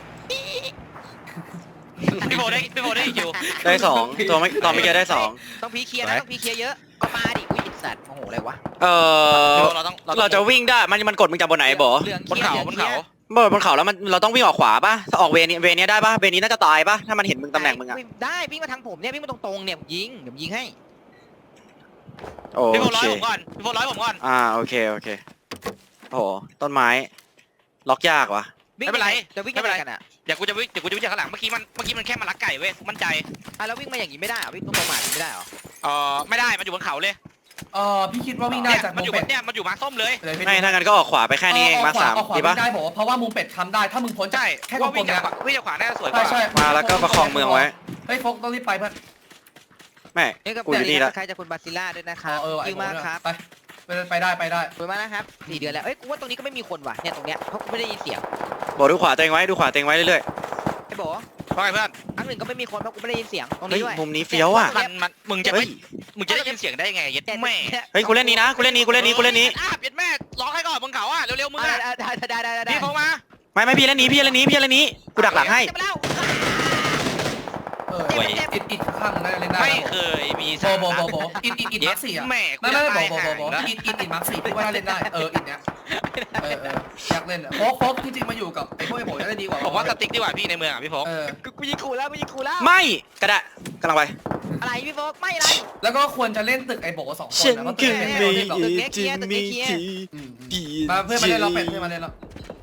Speaker 4: พี่โบได้อีกอยู่
Speaker 1: ได้2ตัวไม่ตอนเมื่อกี้ได้2
Speaker 3: ต้องพีเคลียร์นะต้องพีเคลียร์เยอะก็มาดิอุ้ยสัตว์โอ้โหอะไรวะ
Speaker 1: เราจะวิ่งได้มันกดมึงจากบนไหนบอ
Speaker 3: เรื่อง
Speaker 4: บนเขา
Speaker 1: บนเขาแล้วเราต้องวิ่งออกขวาป่ะออกเวนี้ได้ป่ะเวนี้น่าจะตายป่ะถ้ามันเห็นมึงตำแหน่งมึงอะ
Speaker 3: ได้วิ่งมาทางผมเนี่ยวิ่งมาตรงๆเนี่ยยิงเดี๋ยวยิงให้
Speaker 1: โอ
Speaker 4: พี่โบร้อ
Speaker 1: เค
Speaker 4: ยผมก่อน
Speaker 1: โอเคโอ้โหต้นไม้ล็อกยากว่ะ
Speaker 3: จะวิ่งยังไงกันอ่ะ
Speaker 4: เดี๋ยวกูจะวิ่งจากข้างหลังเมื่อกี้มันแค่มาลักไก่เว้ยมั่นใจ
Speaker 3: แล้ววิ่งมาอย่างนี้ไม่ได้เหรอวิ่งตรงๆมาไม่ได้เหรอ
Speaker 4: ไม่ได้มันอยู่บนเขาเลย
Speaker 2: พี่คิดว่าวิ่งได้จาก
Speaker 4: มัน
Speaker 2: มุ
Speaker 4: อ
Speaker 2: ม
Speaker 4: ยู่
Speaker 2: เป็ด
Speaker 4: เนี่ยมันอยู่มาส้มเลย
Speaker 1: ไม่ถ้างั้นก็ออกขวาไปแค่นี้เองมา3
Speaker 2: ออกขวา
Speaker 1: ดีป่ะ
Speaker 2: ได้ผมเพราะว่ามุมเป็ดทำได้ถ้ามึงพ้น
Speaker 4: ใช่
Speaker 2: แค่ก
Speaker 4: ว่า
Speaker 2: ล
Speaker 4: วิ่
Speaker 2: ม
Speaker 4: ง
Speaker 2: ๆ
Speaker 4: จา
Speaker 2: เนี่
Speaker 4: ก
Speaker 2: ย
Speaker 4: วิ่งจากขวาน่าจะสวยกว่า
Speaker 2: ใช่
Speaker 1: มาแล้วก็ประคองเมืองไว้
Speaker 2: เฮ้ยโฟกต้องรีบไปเพื่อน
Speaker 1: แม่
Speaker 3: นี่ก็
Speaker 1: กูอยู่นี่แล้ว
Speaker 3: ใครจะคุณบาซิล่าด้วยนะครับ
Speaker 2: ไอ้
Speaker 3: ยืมมากครับ
Speaker 2: ไปได้
Speaker 3: สวยมากนะครับ4 เดือนแล้วเอ้ยกูว่าตรงนี้ก็ไม่มีคนว่ะเนี่ยตรงเนี้ยเพราะกูไม่ได้ยินเสียง
Speaker 1: บอกดูขวาเต็งไว้เรื่อย
Speaker 3: ไอ้โบ
Speaker 4: ว่าไงเพื่อน
Speaker 3: ครั้งหนึ่งก็ไม่มีคนเพราะกูไม่ได้ยินเสียงตรง
Speaker 1: ๆเฮ้ย
Speaker 3: นี้ด้วย
Speaker 1: มุมนี้เฟี้ยวอ่ะ
Speaker 4: มึงจะได้ยินเสียงได้ยังไงยัดแม่
Speaker 1: เฮ้ยกูเล่นนี้นะกูเล่นนี้
Speaker 4: ยัดแม่ร้องให้ก่อนบนเขาอ่ะเร็วๆมึงอ่ะ
Speaker 3: ได้
Speaker 4: พี่โฟมา
Speaker 1: ไม่พี่เล่นนี้กูดักหลังให้
Speaker 3: จะไปแล้ว
Speaker 2: เ
Speaker 3: เจ็บไม่เจ็บ
Speaker 2: อิดข้างๆได้เล่นได้
Speaker 4: ไม่เคยมี
Speaker 2: โบอิดมาร์คสี่อ่ะ
Speaker 4: แม่
Speaker 2: ไม่อิดมาร์คสี่พี่ว่าเล่นได้อิดเนี้ยอยากเล่นโฟกจริงๆมาอยู่กับไอ้พวกไอ้โบจะได้ดีกว่า
Speaker 4: ผมว่าสติ๊กดีกว่าพี่ในเมืองอ่ะพี่โฟก
Speaker 3: กูยิงขู่แล้วกูยิงขู่แล้ว
Speaker 1: ไม่กระดะกำลังไป
Speaker 3: อะไรพี่โฟกไม่อะไร
Speaker 2: แล้วก็ควรจะเล่นตึกไอ้โบ2 คน
Speaker 1: ฉัน
Speaker 2: นะเพราะ
Speaker 1: คื
Speaker 2: ตึ
Speaker 1: อก
Speaker 2: ไอ้
Speaker 1: ไม่
Speaker 2: โบเล่นหรอก
Speaker 1: จะมีที่
Speaker 2: มาเพื่อนมาเล่นเราเป็ดเพื่อนมาเล่นเรา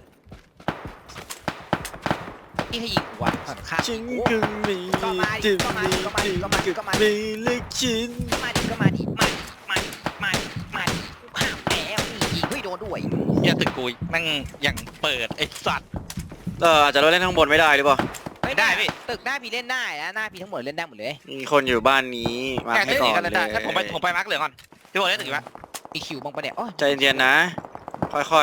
Speaker 3: พี่ให้ยิงกูอ่ะข้าง
Speaker 1: ฉันคือไม่จะมีที่ไม่เลือกฉัน
Speaker 3: ก็มาดิมาดิกูข้ามแล้วนี่ยิงไม่โดนด้วย
Speaker 4: อย่าตึกกูแม่งอย่างเปิดไอ้สัตว์
Speaker 1: อาจจะเราเล่นข้างบนไม่ได้หรือเปล่า
Speaker 3: ไม่ได้พี่ตึกหน้าพี่เล่นได้นะหน้าพี่ทั้งหมดเล่นได้หมดเลย
Speaker 1: มีคนอยู่บ้านนี้มา
Speaker 4: แค่
Speaker 1: ให้
Speaker 4: ตึก
Speaker 1: ก่อ
Speaker 4: นี้
Speaker 1: น
Speaker 4: กันเลยได้
Speaker 1: เลย
Speaker 4: ถ้าผมไปมาร์คเหลืองก่อนพี่โฟกเล่นตึกอีกปะ
Speaker 3: มีคิวบ้างปะเนี่ยโอ้ย
Speaker 1: ใจเย็นๆนะ ค่อย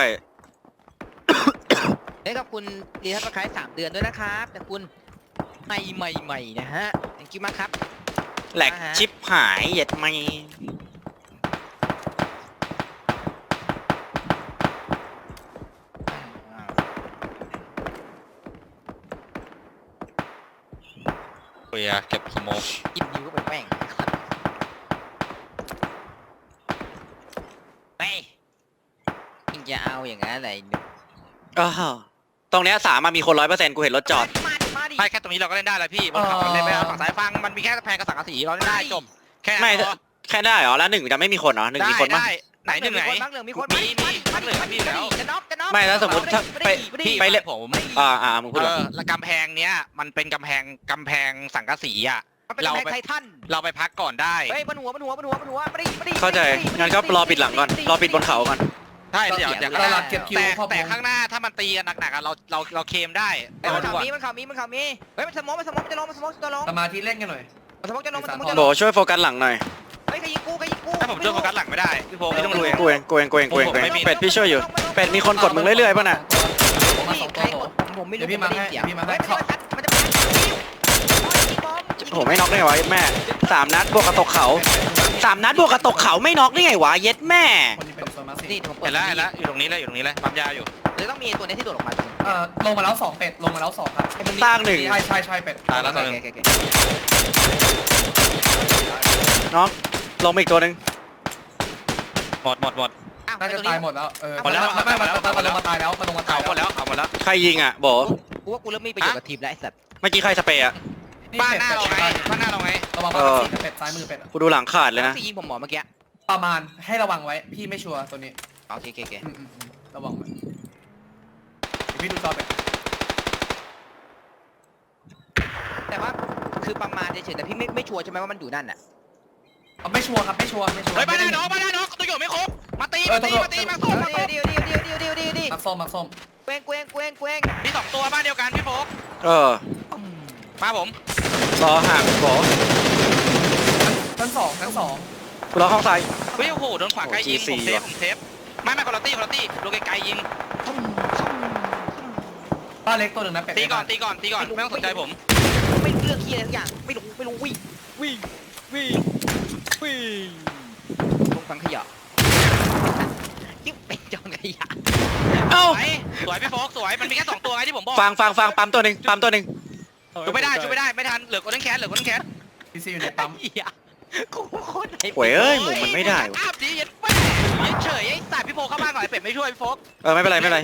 Speaker 3: เฮ้ยขอบคุณรีทัศน์คล้าย3 เดือนด้วยนะครับแต่คุณใหม่นะฮะ thank you มากครับ
Speaker 1: ๆแหลกชิปหายเหยียดไม่
Speaker 4: เฮ้ยเก็บสโมก
Speaker 3: กินนิ้วก็เป็นแม่งเฮ้ยยิงจะเอาอย่างนั้นอะไรเนี่ย
Speaker 1: อ้าวตรงเนี้ยสามมามีคน100%กูเห็นรถจอด
Speaker 3: มาดิ
Speaker 4: ไม่แค่ตรงนี้เราก็เล่นได้แล้วพี่บนเขาเล่นไม่ได้ฝั่งซ้ายฟังมันมีแค่แพงกับสังกะสีเราเล่นได้จบแค่
Speaker 1: ไม่แค่ได้เหรอแล้วหนึ่งจะไม่มีคนเหรอหนึ่ง
Speaker 4: ได้
Speaker 1: มีคนมั้ย
Speaker 4: ได้ไหนหนึ่งไหน
Speaker 3: มักเหลืองมีคน
Speaker 4: มีมักเหลืองมีอยู่แล้ว
Speaker 3: จะน็อกจะน็อก
Speaker 1: ไม่แล้วสมมติถ้าไป
Speaker 4: พี่
Speaker 1: ไปเล่น
Speaker 4: ผม
Speaker 1: มึงพูดเหรอ
Speaker 4: แล้วกำแพงเนี้ยมันเป็นกำแพงสังกะสีอ่ะ
Speaker 3: มันเป็นแม็กไททัน
Speaker 4: เราไปพักก่อนได้
Speaker 3: เฮ้ยบนหัวมาดิ
Speaker 1: เข้าใจงั้นก็รอปิดหลังก่อนรอปิดบนเขาก่อน
Speaker 4: ใช่เดี๋ยว
Speaker 2: เราหลักเก็บคิวครอบ
Speaker 4: แต่ข้างหน้าถ้ามันตีกันหนักๆเราเคมได้
Speaker 3: มัน
Speaker 4: ดู
Speaker 3: ข่าว
Speaker 4: อ่ะ
Speaker 3: มีเฮ้ยมันสมองจะลงจะลง
Speaker 2: สมาธิเล่นกันหน่อย
Speaker 3: มันสมองจะลง
Speaker 1: โบช่วยโฟกัสหลังหน่อย
Speaker 3: เฮ้ยใครยิงกู
Speaker 4: ถ้าผมช่วยโฟกัสหลังไม่ได้พี่โฟไม่ต้อง
Speaker 1: กู
Speaker 4: ดู
Speaker 1: เอ
Speaker 4: เอง ง
Speaker 1: กูเองเป็ดพี่ช่วยอยู่เป็ดมีคนกดมึงเรื่อยๆป่ะน่ะ
Speaker 2: มา
Speaker 3: พี่
Speaker 2: 2
Speaker 3: ใค
Speaker 2: ตั
Speaker 3: ร
Speaker 2: ว
Speaker 3: กดผมไม่รู้ผมไม่ได้เสียงมันจะ
Speaker 1: โหไม่น็อกได้ไงวะเย็ดแม่3 นัดบวกกระตกเขา3 นัดบวกกระตกเขาไม่น็อกได้ไงวะเย็ดแม่
Speaker 2: คนนี้เป็นโซนมาสี่
Speaker 3: นี่ผมเปิ
Speaker 4: เห็
Speaker 3: ด
Speaker 4: นแล้วอยู่ตรงนี้เลยปั๊มยาอยู่
Speaker 3: เลยต้องมีตัวนี้ที่โดดออกมา
Speaker 2: ลงมาแล้ว2เป็ดลงมาแล้ว2ครับ
Speaker 1: สร้างหนึ่ง
Speaker 2: ใช่เป็ด
Speaker 4: ตายแล้วตอนนึง
Speaker 1: น็อกลงมาอีกตัวหนึ่ง
Speaker 4: หมด
Speaker 2: น่าจะตายหมดแล้วไม่มาตายแล้วมาลงมาตา
Speaker 4: เขา
Speaker 2: ย
Speaker 4: หมดแล้ว
Speaker 1: ใครยิงอ่ะโบ
Speaker 3: กูว่ากูเริ่มมีประโยชน์กับทีมแล้วไอ้สัตว์
Speaker 1: เมื่อกี้ใครสเปรย์อ่ะ
Speaker 4: บ้านหน้าเราไง
Speaker 2: ระวังมาสี่เป็ดซ้ายมือเป็ด
Speaker 1: กูดูหลังขาดเลยนะ
Speaker 3: ที่ยิงผมหมอเมื่อกี้
Speaker 2: ประมาณให้ระวังไว้พี่ไม่ชัวร์ตัวนี้
Speaker 3: โอเค
Speaker 2: ระวังไว้พี่ดูจอเป็ด
Speaker 3: แต่ว่าคือประมาณเฉยๆแต่พี่ไม่ชัวร์ใช่ไหมว่ามันอยู่นั่นอ่ะ
Speaker 2: ไม่ชัวร์ครับไม่ชัวร์
Speaker 4: เฮ้ยบ้านหน้าน้องตัวอยู่ไม่ครบมาตีมาส้ม
Speaker 3: เดียว
Speaker 2: มักส้ม
Speaker 3: เกวง
Speaker 4: มี2ตัวบ้านเดียวกันพี่โฟก มาผม
Speaker 1: รอห่างโบ
Speaker 2: ชั้นสอง
Speaker 1: กูรอห้องซ้าย
Speaker 4: เฮ้ยโอ้โหโดนขวาไกลยิงผมเซฟไม่คนละตี้โลไกลยิง
Speaker 2: บ้านเล็กตัวหนึ่งนะเป็ด
Speaker 4: ตีก่อนไม่ต้องสนใจผม
Speaker 3: ไม่รู้เรื่องเฮียอะไรทุกอย่างไม่รู้วิ่งลงฟังขยะยิ่งเป็นจองขยะ
Speaker 1: เอ้า
Speaker 4: สวยพี่โฟกสวยมันมีแค่2ตัวไงที่ผมบอก
Speaker 1: ฟังปั๊มตัวหนึ่ง
Speaker 4: ช่วยไม่ได้ไม่ทันเหลือคนนั้นแคส
Speaker 2: พี่ซีอยู่ในปั๊ม
Speaker 3: เฮียกูโคตรไหน
Speaker 1: หวยเอ้ยหมุนมันไม่ได้
Speaker 4: อ้าวดียันแม่เฉยไอ้สัตว์พี่โฟกเข้าบ้านก่อนไอ้เป็ดไม่ช่วยพี่โฟก
Speaker 1: ไม่เป็นไรไม่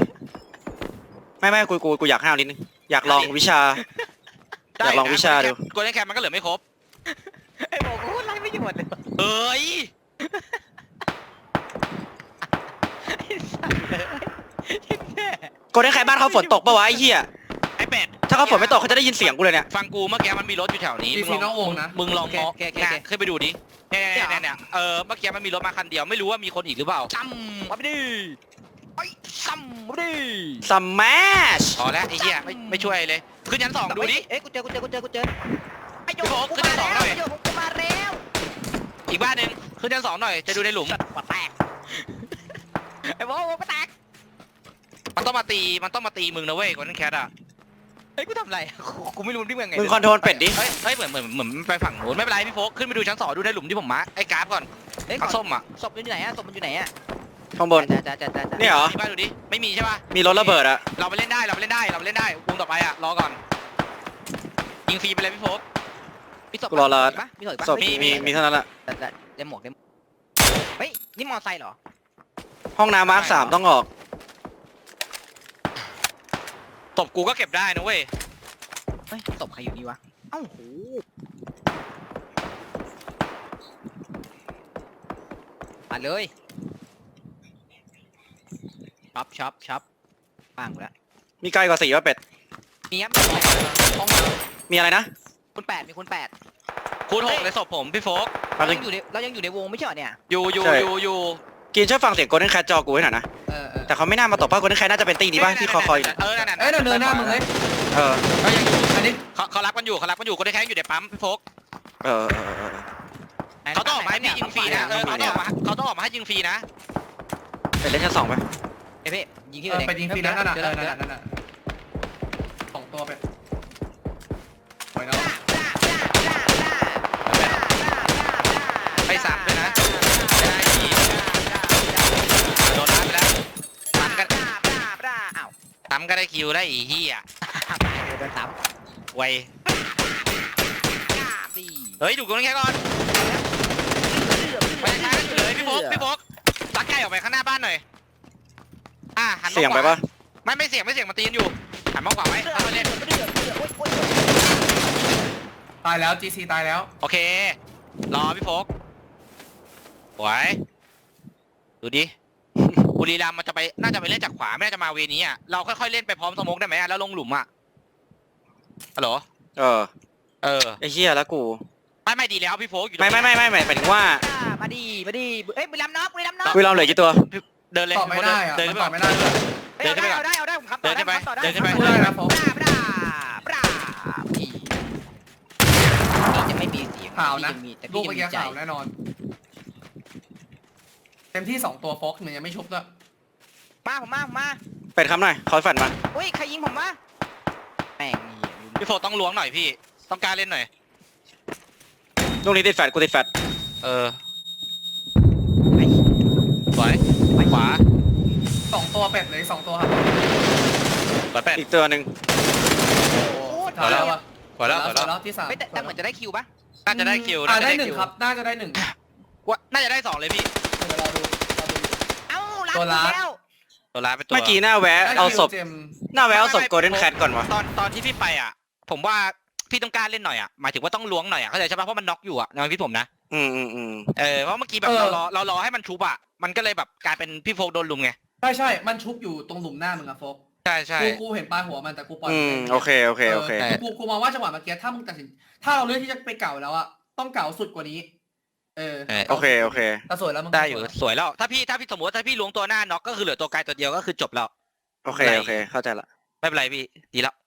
Speaker 1: กูอยากห้าวนิดนึงอยากลองวิชา อยากลองวิชาดู
Speaker 4: คนนั้นแคสมันก็เหลือไม่ครบ
Speaker 3: ไอ้บอกกูไล่ไม่หยุดเลย
Speaker 4: เฮ้ย
Speaker 1: กูได้ใครบ้านเขาฝนตกปะวะไอ้เหี้ย
Speaker 4: ไอ้เป็ด
Speaker 1: ถ้าเขาฝนไม่ตกเขาจะได้ยินเสียงกูเลยเนี่ย
Speaker 4: ฟังกูเมื่อกี้มันมีรถอยู่แถวนี้
Speaker 2: พี่ซีน้องวงนะ
Speaker 4: มึงลองมองขึ้นไปดูดิเนี่ยเมื่อกี้มันมีรถมาคันเดียวไม่รู้ว่ามีคนอีกหรือเปล่า
Speaker 3: ซ้ำมาไปดิไอ้ซ้ำมาดิ
Speaker 1: สมัช
Speaker 4: พอแล้วไอ้เหี้ยไม่ช่วยเลยขึ้นชั้น2ดูดิ
Speaker 3: เอ้ยกูเจอไอ้โย
Speaker 4: พี่โฟกขึ้นชั้น2หน่อย
Speaker 3: ไอ้โยกูมาแล้ว
Speaker 4: อีกบ้านหนึ่งขึ้นชั้น2หน่อยจะดูในหลุม
Speaker 3: ปะแตกไอ้โว้ปะแตก
Speaker 4: มันต้องมาตีมึงนะเว้ยคนนั้นแคทอ่ะ
Speaker 3: เฮ้ยกูทำไรกูไม่รู้ที่เมืองไง
Speaker 1: มึงคอนโทรลเป็ดดิ
Speaker 4: เฮ้ยเหมือนไปฝั่งนู้นไม่เป็นไรพี่โฟกขึ้นไปดูชั้น2ดูในหลุมที่ผมมาร์คไอ้กราฟก่อน
Speaker 3: เฮ้ย
Speaker 4: ผักส้มอ่ะ
Speaker 3: ศพมันอยู่ไหนอะศพมันอยู่ไหนอะ
Speaker 1: ข้างบน
Speaker 3: จ้า
Speaker 1: เนี่ยเหรอ
Speaker 4: มีบ้านดูดิไม่มีใช่ป่ะ
Speaker 1: มีรถระเบิดอะ
Speaker 4: เราไปเล่นได้วงต่อไปอ่ะรอก่อนยิงฟรีไปเลยพี่โฟก
Speaker 3: มีศพ
Speaker 1: กูรอละ
Speaker 3: ปะมีศพปะ
Speaker 1: ศพมีเท่านั้นแหละ
Speaker 3: แต่ได้หมวกเฮ้ยนี่มอไซค์เหรอ
Speaker 1: ห้องน้ำมาร์คสามต้องออก
Speaker 4: ตบกูก็เก็บได้นะเว้ย
Speaker 3: เฮ้ยศพใครอยู่นี่วะเอ้าโหมาเลยช็อปปังกูแล้ว
Speaker 1: มีไกลกว่า4ว่าเป็ด
Speaker 3: มีครับ
Speaker 2: ห้องน้
Speaker 1: มีอะไรนะ
Speaker 3: คุณแปดมีคุณแปด
Speaker 4: คูณ6ในศพผมพี่โฟก
Speaker 1: แป๊บนึง
Speaker 3: เรายังอยู่ในวงไม่ใช่เหรอเนี่ย
Speaker 4: อยู่
Speaker 1: กินช่วยฟังเสียงโกลเด้นแคทจอกูให้หน่อยนะ
Speaker 2: ำ
Speaker 1: แต่เขาไม่น่ามาตบป้าโกลเด้นแคทน่าจะเป็นตีนี้ป่ะที่คอคอยอยู่
Speaker 4: เออนั่น
Speaker 2: เอ้ยเดินหน้ามึงเลย
Speaker 1: เออ
Speaker 2: เอ้ยยังอยู่อันนี้
Speaker 4: เขารักมันอยู่คนที่แค่อยู่ในปั๊มพี่โฟก
Speaker 1: เออ
Speaker 4: เขาต้องออกมาให้พี่ยิงฟรีนะเขาต้องออกมาให้ยิงฟรีนะ
Speaker 1: เป็ดเล่นชั้น2ไป
Speaker 3: เอ้ยพี่ยิงที่
Speaker 2: เอ
Speaker 3: อื่
Speaker 2: อน ไปยิงฟรีนั่นน่ะ
Speaker 3: เดี๋ยว
Speaker 2: นั่นน่ะสองตัวไปปล่อยน้อง
Speaker 4: ไปซ้ำด้วยนะได้ทีโดนรับไปแล้วซ้ำก็
Speaker 3: อ้าว
Speaker 4: ซ้ำก็ได้คิวได้อีเหี้ย
Speaker 3: โดนซ้
Speaker 4: ไว
Speaker 3: ำสี่
Speaker 4: เฮ้ยดูคนนี้แค่ก่อนไปช้าอยู่เลยพี่โฟกลักไก่ออกไปข้างหน้าบ้านหน่อยหัน
Speaker 1: เสียงไปป่ะ
Speaker 4: ไม่เสียงมันตีนอยู่หันมากกว่าไว้ถ้ามันเล่น
Speaker 2: ตายแล้ว GC ตายแล้ว
Speaker 4: โอเครอพี่โฟกไหวดูดิ บุรีรัมย์มันจะไปน่าจะไปเล่นจากขวาไม่น่าจะมาเวนี้อ่ะเราค่อยๆเล่นไปพร้อมสโมกได้ไหมแล้วลงหลุมอ่ะฮัลโหล
Speaker 1: เออ ไอ้เหี้ยแล้วกู
Speaker 4: ไม่ดีแล้วพี่โฟกอยู่
Speaker 1: ไม่หมายถึงว่า
Speaker 3: มาดีเอ้ยบุรีรัมย์น็อก
Speaker 1: เวลาเหลือกี่ตัว
Speaker 4: เดินเลย
Speaker 2: ตอบไม่ได้อะ
Speaker 4: เดิน
Speaker 2: มัน
Speaker 4: ขึ้น
Speaker 2: ตอบไม่ได้เลย
Speaker 3: เอาได้ผมขับต่อได้
Speaker 4: เดินขึ้นไป
Speaker 2: พูดได้นะโฟก
Speaker 3: พี่จะไม่มีเสียง
Speaker 2: ข่าวนะ
Speaker 3: แต่
Speaker 2: ลู
Speaker 3: พี่
Speaker 2: ก
Speaker 3: จะ
Speaker 2: เมื่อ
Speaker 3: มี
Speaker 2: กี้
Speaker 3: ใจ
Speaker 2: ข่าวแน่นอน เต็มที่2ตัวโฟกมันยังไม่ชุบด้วย
Speaker 3: ผมมา
Speaker 1: เป็ดคำหน่อยคอยฝันมา
Speaker 3: อุ้ยใครยิงผมวะแม่ง
Speaker 4: พี่โฟกต้องล้วงหน่อยพี่ต้องกล้าเล่นหน่อย
Speaker 1: ลูกนี้ติดแฟดกูติดแฟด
Speaker 4: สวยขวา
Speaker 2: 2ตัวเป็ดเลย2ตัวครับ
Speaker 4: สวยแปด
Speaker 1: อีกตัวหนึ่ง
Speaker 2: สุดท้ายแล้วอะ
Speaker 4: ขวาแล้ว
Speaker 2: แล้วที่3
Speaker 3: แต่เหมือนจะได้คิวปะ
Speaker 4: น่าจะได้คิว
Speaker 2: ได้1ครับน่าจะได้1
Speaker 4: น่าจะได้2เลยพี่
Speaker 2: เดี๋ยวเราดู
Speaker 3: เอ้ารัด
Speaker 2: ตัวรัด
Speaker 3: แล้ว
Speaker 4: ตัวร้ายเป็นตัว
Speaker 1: เมื่อกี้หน้าแวะเอาศพ
Speaker 2: เจม
Speaker 1: หน้าแวะเอาศพโกลเด้นแคทก่อนวะ
Speaker 4: ตอนที่พี่ไปอ่ะ ผมว่าพี่ต้องกล้าเล่นหน่อยอ่ะหมายถึงว่าต้องล้วงหน่อยอ่ะเข้าใจใช่ปะเพราะมันน็อกอยู่อ่ะในความคิดผมนะ
Speaker 1: อืม
Speaker 4: เพราะเมื่อกี้แบบเรารอให้มันชุบอ่ะมันก็เลยแบบกลายเป็นพี่โฟกโดนลุมไง
Speaker 2: ใช่มันชุบอยู่ตรงหลุมหน้ามึงอะโฟก
Speaker 4: ใช่
Speaker 2: กูเห็นปลายหัวมันแต่กูปล่อย
Speaker 1: โอเค
Speaker 2: กูมองว่าจังหวะเมื่อกี้ถ้ามึงตัดสินถ้าเราเลือกที่จะไปเก่าแล้วอะต้องเก่าสุดกว่านี้
Speaker 1: โอเค
Speaker 2: แต่สวยแล้วมึง
Speaker 4: ได้อยู่สวยแล้วถ้าพี่สมมติว่าถ้าพี่ล้วงตัวหน้าน็อกก็คือเหลือตัวไกลตัวเดียวก็คือจบแล้ว
Speaker 1: โอเค เข้าใจละ
Speaker 4: ไม่เป็นไรพี่ดีแล้ว